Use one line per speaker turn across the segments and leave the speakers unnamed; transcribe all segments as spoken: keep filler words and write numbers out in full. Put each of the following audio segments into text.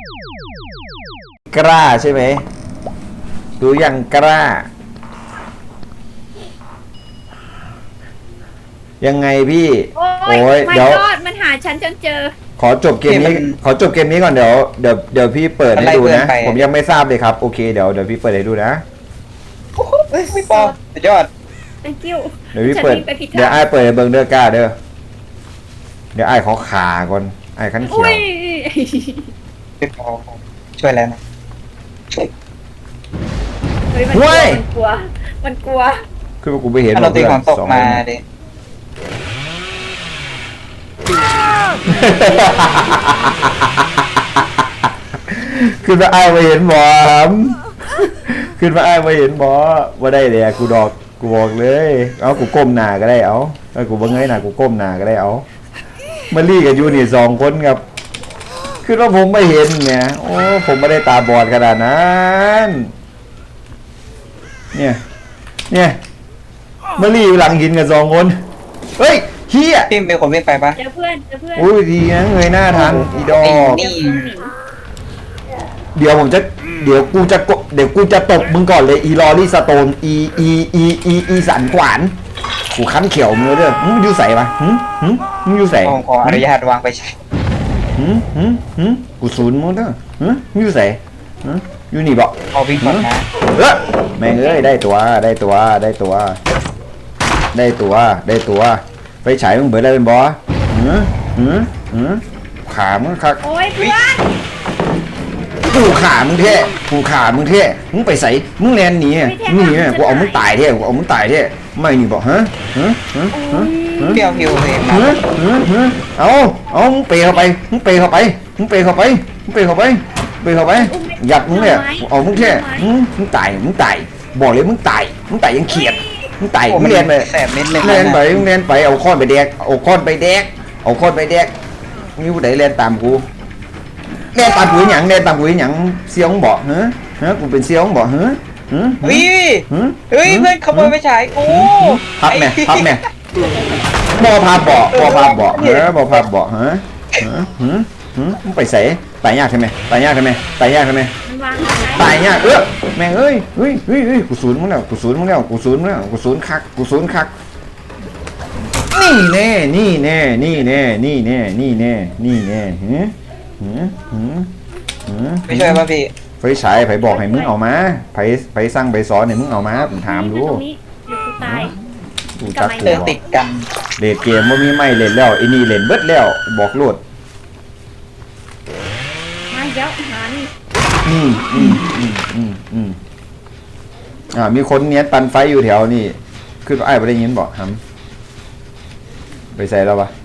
กล้าใช่ไหมดูยังกล้ายังไงพี่โอ้ยเดี๋ยว
มันหาฉันจนเจอ
ขอจบเกมนี้ขอจบเกมนี้ก่อนเดี๋ยวเดี๋ยวเดี๋ยวพี่เปิดให้ดูนะผมยังไม่ทราบเลยครับโอเคเดี๋ยวเดี๋ยวพี่เปิดให้ดูนะ
ไม่ปอสุดยอด
thank you
เดี๋ยวพี่เปิดเดี๋ยวไอ้เปิดเบิ้งเด้อกล้าเด้อเดี๋ยวไอ้ขอขาก่อนไอ้ขั้นเขียว
พี่ปอช่วยแล้วนะ
เฮ้ยมันกลัวมันกลัวมันกลัว
คือกูไปเห็น
เราตีของตกมาดิ
ขึ้นมาไอ้มาเห็นหมอมขึ้นมาไอ้มาเห็นหมอว่าได้เลยกูดอกกูบอกเลยเอากูก้มหน้าก็ได้เอาเอากูบังเงยหน้ากูก้มหน้าก็ได้เอามาลี่กับยูนี่สองคนครับคือว่าผมไม่เห็นเนี่ยโอ้ผมไม่ได้ตาบอดขนาดนั้นเนี่ยเนี่ยมาลี่หลังหินกับสองคนเฮ้ยเฮีย
พี่เป็นคนวิ่งไปปะ
เจอเพื่อนเจอเพื่อน
อุ้ยดีนะเงยหน้าทันอีดอกเดี๋ยวผมจะเดี๋ยวกูจะเดี๋ยวกูจะตบมึงก่อนเลยอีลอรี่สโตนอีอีอีอีอีสันขวานกูคั้นเขียวมือเด้อมึงอยู่ใส่ปะหืมหืมมึงอยู่ใส่
ขออนุญาตวางไปใช้
หืมหืมหืมกูศูนย์มึงเด้อหืมมึงอยู่ใส่หืมอยู่นี่บอก
เอาวิ่งก่อนนะ
เออแม่งเอ้ยได้ตัวได้ตัวได้ตัวได้ตัวได้ตัวไปฉายมึงเบิดได้เป็นบอหืมหืมหืมขามึงคัก
โอ้ยเพื่อน
กูขามึงเท่กูขามึงเท่มึงไปใส่มึงแลนหนีมึงหนีกูเอามึงตายเท่กูเอามึงตายเท่ไม่หนีบอกฮะฮะฮะฮะ
เปรี้ยวหิวเลย
ฮะฮะฮะเอาเอามึงเปย์เข้าไปมึงเปย์เข้าไปมึงเปย์เข้าไปมึงเปย์เข้าไปเปย์เข้าไปหยัดมึงเนี่ยเอามึงแค่มึงตายมึงตายบอกเลยมึงตายมึงตายยังเขียดมึงตายมึงเรียนไปเรียนไปมึงเรียนไปเอาค้อนไปแดกเอาค้อนไปแดกเอาค้อนไปแดกนี่ผู้ใดเรียนตามกูเรียนตามกูหยังเรียนตามกูหยังเสี้ยวมึงบอกฮะฮะกูเป็นเสี้ยวมึงบอกฮะ
เฮ้ยเฮ้ยเพื่อนขโมยไปฉายกู
พับแม่พับแม่บอพาเบาบอพาเบาเฮ้บอพาเบาฮะฮะฮะฮะมึงไปใส่ตายยากใช่ไหมตายยากใช่ไหมตายยากใช่ไหมตายยากเออแม่งเอ้ยเฮ้ยเฮ้ยเฮ้ยกูศูนย์มึงแล้วกูศูนย์มึงแล้วกูศูนย์มึงแล้วกูศูนย์คักกูศูนย์คักนี่แน่นี่แน่นี่แน่นี่แน่นี่แน่นี่แน่ฮะฮะฮะฮะ
ไม่ช่วยป่ะพี่
ไฟฉายไผบอกให้มึงเอามาไผไผสั่งไผสอนให้มึงเอามาผมถามดู
กู
จัก
เดินติดกัน
เล่นเกมว่ามีไม่เล่นแล้วไอ้นี่เล่นเบิดแล้วบอกโลด
มาเยอะหานี่
อืมอืมอืมอืมอืมอ่ามีคนเนี้ยตันไฟอยู่แถวนี่ขึ้นไอ้ไปได้ยินบอกฮัมไปใส่แล้วปะ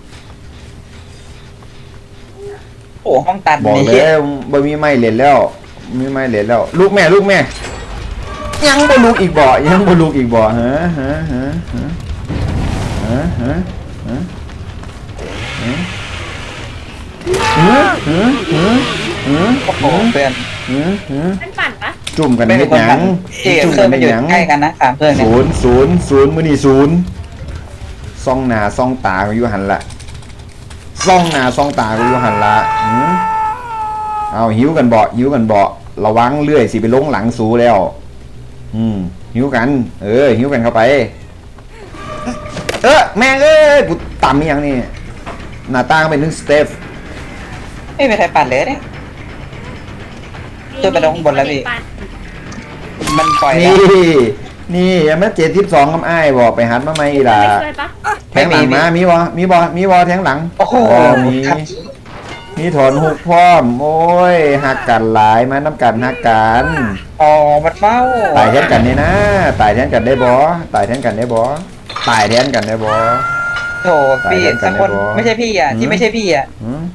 โอ้ห้องตัน
บอกเลยบ่มีไม่เล่นแล้วมีไม่เล่นแล้วลูกแม่ลูกแม่ยังบ่ลูกอีกบ่ยังบ่ลูกอีกบ่ฮะฮะฮะฮะฮะฮะฮะฮะฮะฮะฮะฮะ
โอ้โหเพื่อน
ฮะฮะ
มันปั่นปะ
จุ่มกันเฮ็ดหยัง
จุ่มกันเป็นหยังใกล้กันนะสามเพื่อน
ศูนย์ศูนย์ศูนย์มื้อนี้ศูนย์ซ่องหน้าซ่องตาก็อยู่หั่นละซ่องหน้าซ่องตาก็อยู่หั่นละหือเอาหิวกันบ่หิวกันบ่ระวังเลื่อยสิไปลงหลังสูแล้วอืมหิวกันเออหิวกันเข้าไปเออแม่งเอ้ยกูต่ำอย่างนี้หน้าตาเป็นนึงสเตฟ
ไม่มีใครปั่นเลยเนี่ยตัวไปลงบนแล้วพี่มันปล่อย
นี่นี่ยังไม่เจ็ดสิบสองกับไอ้บอกไปหัดมาไหมล่ะแทงหลังมามีบ่มีบ่มีบ่แทงหลัง
โอ้โห
มีมีถอนหุกพร้อมโอ้ยหักกันหลายมาน้ำกันหักกัน
อ๋อมันเฝ้า
ตายแทนกันนี่นะตายแทนกันได้บ่ตายแทนกันได้บ่ตายแทนกันได้บ่
โถพี่สักคนไม่ใช่พี่อ่ะที่ไม่ใช่พี่อ่ะ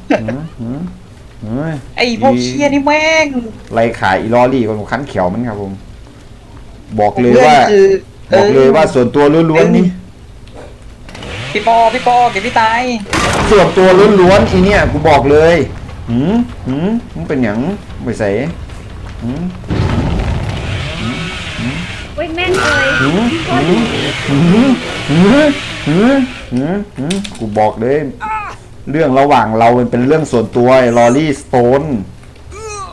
ไอ้พวกเชียนี่แม่ง
ไรขายอีลอรี่คนคันเขียวมันครับผมบอกเลยว่าบอกเลยว่าส่วนตัวล้วนๆนี่
พี่ปอพี่ปอเก็บพี่ตาย
ส่วนตัวล้วนๆอีเนี่ยกูบอกเลยหืมหืมมึงเป็นหยังไปใส่หืม
เว้ยแม่งเลย
หืมหืมหืมหืมหืมหืมหืมกูบอกเลยเรื่องระหว่างเราเป็นเรื่องส่วนตัวลอรี่สโตน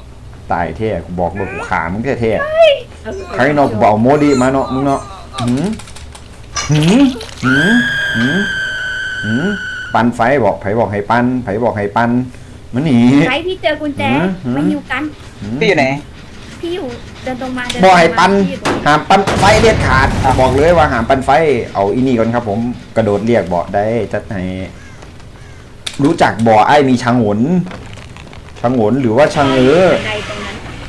ตายเท่กูบอกเลยกูขามึงเท่เท่ใครเนาะบอกโมดีมาเนาะมึงเนาะหืมหืมหืมหืมหืมปันไฟบอกไผบอกให้ปันไผบอกให้ปันมันหนี
ใครพี่เจอกุญแจมาอยู่กัน
พี่อยู่ไหน
พี่อยู่เดินตรงมาเดิน
บอกให้ปัน
พี่อยู่ตรง
หามปันไฟเด็ดขาดบอกเลยว่าหามปันไฟเอาอีนี่ก่อนครับผมกระโดดเรียกบอกได้จัดให้รู้จักบ่อไอ้มีชางหนชางหนหรือว่าชางเออ
ใดตรงนั้น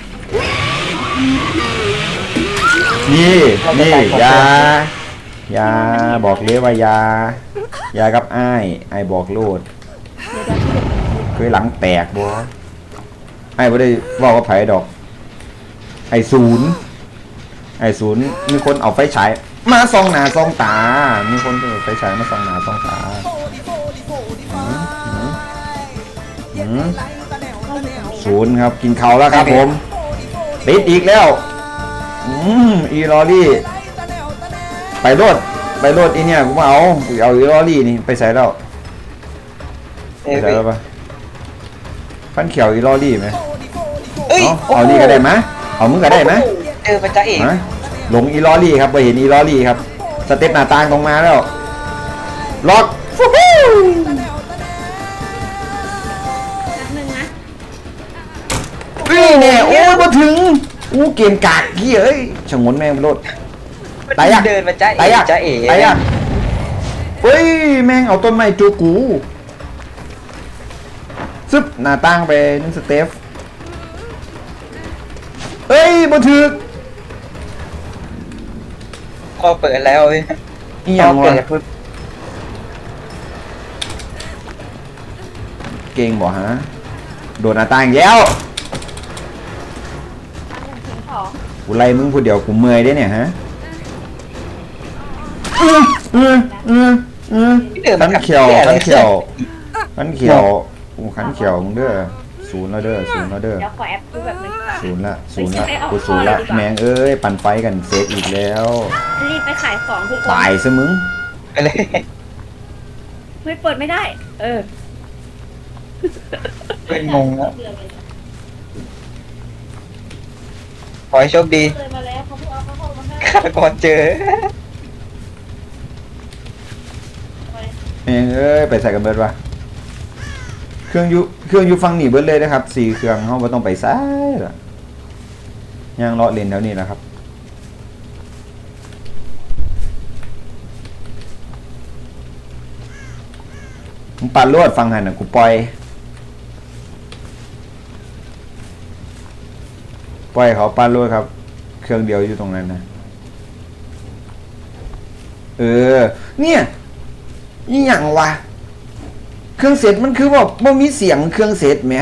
นี่นี่ยายาบอกเลยว่ายายากับไอ้ไอ้บอกโลด
เดี๋ยวเดี๋ยวพี่
เคยหลังแตกบ่ไอ้บ่ได้ว่าว่าไผดอก ไอ้ศูนย์ไอ้ศูนย์มีคนเอาไฟฉายมาส่องหน้าส่องตา มีคนเอาไฟฉายมาส่องหน้าส่องตาหืมหืมศูนย์ครับกินเขาวแล้วครับผมติดอีกแล้วอืมอีลอรี่ไปโลดไปโลดอีเนี่ยกูมาเอากูเอาอีลอรี่นี่ไปใส่แล้ว
เอ้ย
ใส่แล้วปะฟันเขียวอีลอรี่ไหม
เอ้ย
เอาเอานี่ก็ได้ไหมเอามึงก็ได้ไหม
เจอพระเจ้าเอก
ฮะหลงอีลอรี่ครับไปเห็นอีลอรี่ครับสเต็ปหน้าต่างตรงมาแล้วล็อกฟูฮู้
แป๊บนึงนะ
นี่เนี่ยโอ้ยมาถึงอู้เกมกากเฮียเอ้ยชะงนแม่งรถตายยาก
เดินพระเจ้าเอ
ตาย
ก
ยาก
จ้าเอก
ตายยากเฮ้ยแม่งเอาต้นไม้จูกูซึบหน้าต่างไปนึงสเตฟเอ้ยมาถึง
พอเปิดแล้วเว้ย
อีห
พ
ยั
อง เปิ
วะ
ดปุ๊บ
เก่งบ่ฮะโดนหน้าต่างอีกแล้ว
ถึงของ
กูไล่มึงผู้เดียวกูเมื่อยได้เนี่ยฮะอืออืออืออือ
พี่เดิน
ขั
มาน กับ
เขียว
หี้
ขัน
อะไร
เขียวขันเขียวกูขันเขียวมึงเด้อศูนย์แล้วเด้อศูนย์แล้วเด้อ
เดี๋ยวขอแอปดูแบบนึงก่อน
ศูนย์ละศูนย์ละ
ไปเอา
กูศูนย์ละ
ข้อเลยดีกว่า
แมงเอ้ยปั่นไฟกันเซฟอีกแล้ว
รีบไปขายของทุกคน
ตายซะมึง
ไปเลย
ไม่เปิดไม่ได้ เออ
เป็นงงแล้วขอให้โชคดี
เลยมาแล้วเขาเพิ่งเอาเขาเข้ามาให้
ฆาตกรเจอ
แมงเอ้ยไปใส่กันเบิดวะเครื่องอยูเครื่องอยูฟังหนีเบิดเลยนะครับสี่เครื่องเขาไม่ต้องไปซ้ายละย่างเลาะเลนแถวนี้แหละครับมึงปั่นรวดฟังหันนะกูปล่อยปล่อยเขาปั่นรวดครับ เครื่องเดียวอยู่ตรงนั้นนะเออเนี่ยนี่อย่างวะเครื่องเสร็จมันคือแบบมันมีเสียงเครื่องเสร็จไหม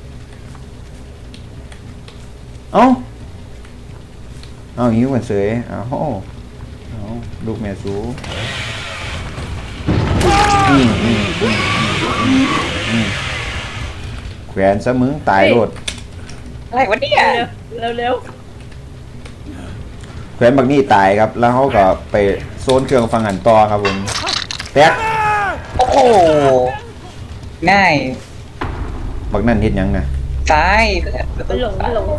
เอ้าเอาหิวกันเสยเอาเอาลูกแม่สูอืมอืมอืมอืมอืมแขวนซะมึงตายโลด
อะไรวะเนี่ย
เร็วเร็ว
แขวนบักนี่ตายครับ แล้วเขาก็ไปโซนเครื่องฟังหันต่อครับผมแท็ก
โอ้โหง่าย
บักนั่นเห็นยังนะ
ซ้าย
มันหลงมันหลง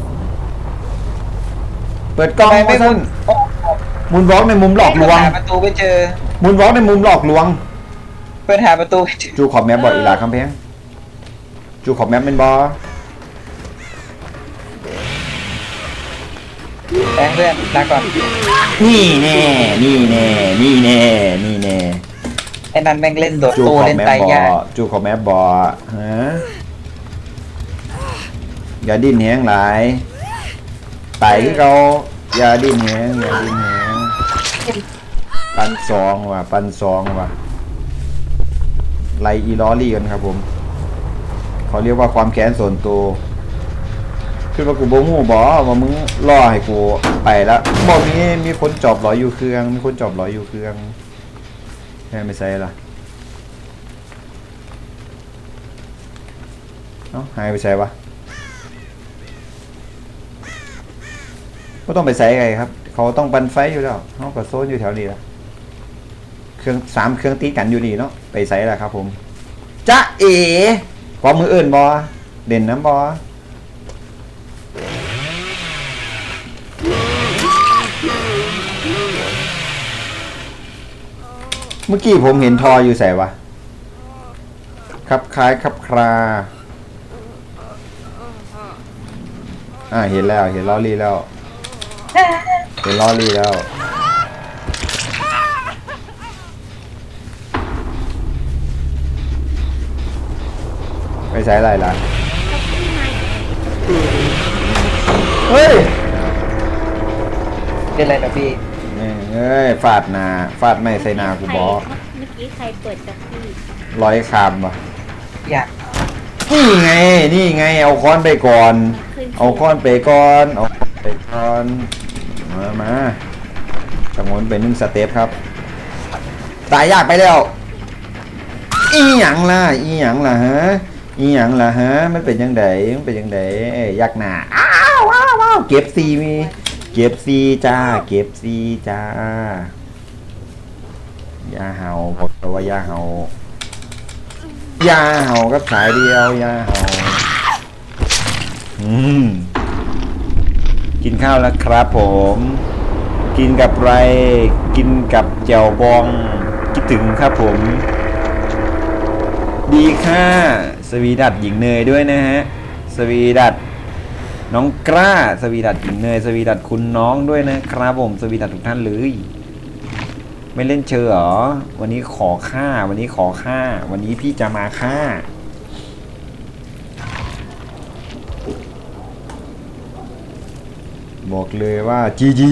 เปิดกล้อง
ไป
มา
ไม่
สั้
มุ
น
นโอ้
มุนวอล์กในมุมหลอกลวง
หาประตูไปเจอ
มุนวอล์กในมุมหลอกลวง
เปิดหาประตูไปเจอ
จูขอบแมปบอกอีหลาคำแพงจูขอบแมปเป็นบอ
ไปเพื่อนลาก่อน
นี่แน่นี่แน่นี่แน่นี่แน่
ไอ้นั่นแม่งเล่นโดด
จู
ตู้
ขอบ
เล่น
แมป
ไต
บอย
าก
จูขอบแมปบอฮะอย่าดิ้นแหงหลายไต่ที่เราอย่าดิ้นแหงอย่าดิ้นแหงปันสองว่ะปันสองว่ะไลอีลอรี่กันครับผมเขาเรียกว่าความแค้นส่วนตัวคือว่ากูโบงูบอว่ามึงรอให้กูไปแล้วบอกมีมีคนจอบร้อยอยู่เครื่องมีคนจอบร้อยอยู่เครื่องแค่ไม่ใช่ล่ะเอ้าหายไปใส่วะก็ต้องไปใส่ไงครับเขาต้องปันไฟอยู่แล้วเขาก็โซนอยู่แถวนี้ละเครื่องสามเครื่องตีกันอยู่นี่เนาะไปใส่ละครับผมจ๊ะเอ๋พอมืออื่นบอเด่นน้ำบอเมื่อกี้ผมเห็นทออยู่ใส่วะครับคล้ายครับคราอ่าเห็นแล้วเห็นลอรี่แล้วเห็นลอรี่แล้วไปใช้อะไรล่ะเฮ้ย
เป็นไรนะพี่
เอ้ยฟาดหนาฟาดไม่ใส่หนากูบอก
เมื่อกี้ใครเปิดจากพี่
Dạ.
ร้อยคำปะ
อยาก
นี่ไงนี่ไงเอาค้อนไปก่อน
ขึ้น
เอาค้อนไปก่อนเอาค้อนไปก่อนมามาสมุนเป็นหนึ่งสเต็ปครับตายยากไปแล้วอีหยังล่ะอีหยังล่ะฮะอีหยังล่ะฮะมันเป็นยังไงมันเป็นยังไงเอ้ยยักหนาอ้าวว้าวว้าวเก็บซีมีเก็บซีจ้าเก็บซีจ้าอย่าเห่าบอกเลยว่าอย่าเห่าอย่าเห่ากับสายเดียวอย่าเห่าอืมกินข้าวแล้วครับผมกินกับไรกินกับแจ่วบองคิดถึงครับผมดีค่ะสวีดัตหญิงเนยด้วยนะฮะสวีดัตน้องกล้าสวีดัตหญิงเนยสวีดัตคุณน้องด้วยนะครับผมสวีดัตทุกท่านเลยไม่เล่นเชอเหรอวันนี้ขอค่าวันนี้ขอค่าวันนี้พี่จะมาค่าบอกเลยว่าจีจี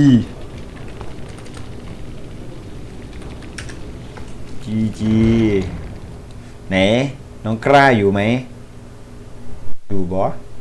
จีจีไหนน้องกล้าอยู่ไหมอยู่บอ